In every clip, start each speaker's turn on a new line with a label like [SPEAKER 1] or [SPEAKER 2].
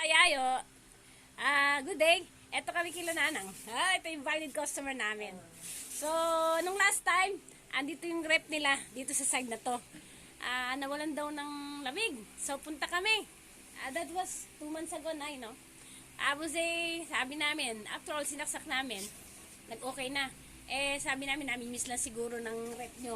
[SPEAKER 1] Kayayo, good day. Ito kami kila Nanang. Ito yung valid customer namin. So, nung last time, andito yung rep nila dito sa side na to. Nawalan daw ng lamig. So, punta kami. That was 2 months ago na, no? Tapos sabi namin, after all, sinaksak namin, nag-okay na. Sabi namin, nami-miss lang siguro ng rep nyo.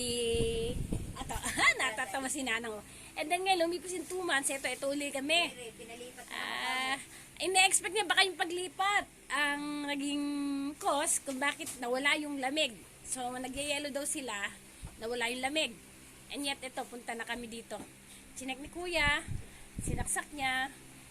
[SPEAKER 1] Natatawa si Nanang. And then ngayon, lumipas yung 2 months, ito uli kami. Ina-expect niya baka yung paglipat ang naging cause kung bakit nawala yung lamig. So, nagyayelo daw sila, nawala yung lamig. And yet, ito, punta na kami dito. Chinek ni Kuya, sinaksak niya.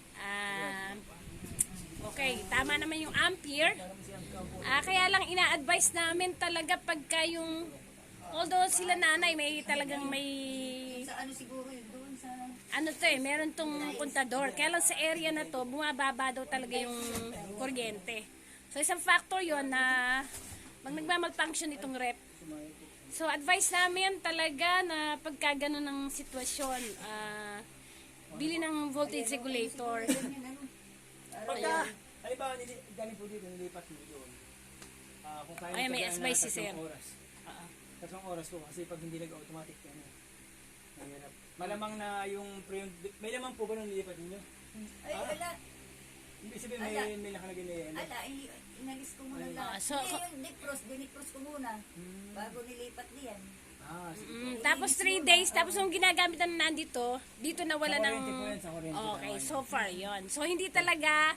[SPEAKER 1] Okay, tama naman yung ampere. Kaya lang ina-advise namin talaga pagka yung, although sila nanay, may talagang
[SPEAKER 2] siguro doon sa
[SPEAKER 1] meron tong kontador. Kaya lang sa area na to, bumababa daw talaga yung kuryente. So, isang factor yon na nagmamalfunction itong rep. So, advice namin talaga na pagka ganun ng sitwasyon, bili ng voltage regulator.
[SPEAKER 3] Pagka, halimbawa, galing po dito, nilipat mo doon. Kung kaya
[SPEAKER 1] Ay, may advice si Sir.
[SPEAKER 3] Tatlong oras po, kasi pag hindi nag-automatic, malamang na yung may lamang po ba nung nilipat ninyo?
[SPEAKER 2] ay wala.
[SPEAKER 3] Ibig sabihin, may nakalagay na yan.
[SPEAKER 2] Inalis ko muna lang. Yung dinipros ko muna bago nilipat niyan.
[SPEAKER 1] Tapos 3 days, tapos yung ginagamit na nandito, dito nawala ng... Okay, so far yon. So, hindi talaga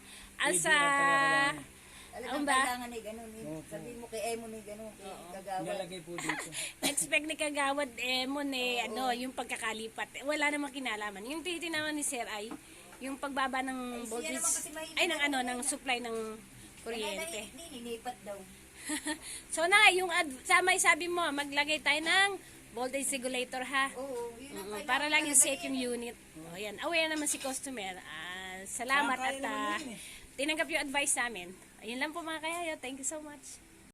[SPEAKER 2] Talagang kailangan ay gano'n. Sabi mo kay Emo ni gano'n, kay Kagawad.
[SPEAKER 3] Nilalagay po dito.
[SPEAKER 1] Expect ni Kagawad Emon yung pagkakalipat. Wala namang kinalaman. Yung titinaman ni Sir ay yung pagbaba ng voltage, ng supply ng kuryente.
[SPEAKER 2] Hindi nilipat daw.
[SPEAKER 1] So yung sabi mo, maglagay tayo ng voltage regulator ha.
[SPEAKER 2] Oo, yun ang
[SPEAKER 1] Para lang yung safe yung unit. Ayan, aware naman si customer. Salamat at tinanggap yung advice namin. Ayun lang po mga kayayo. Thank you so much.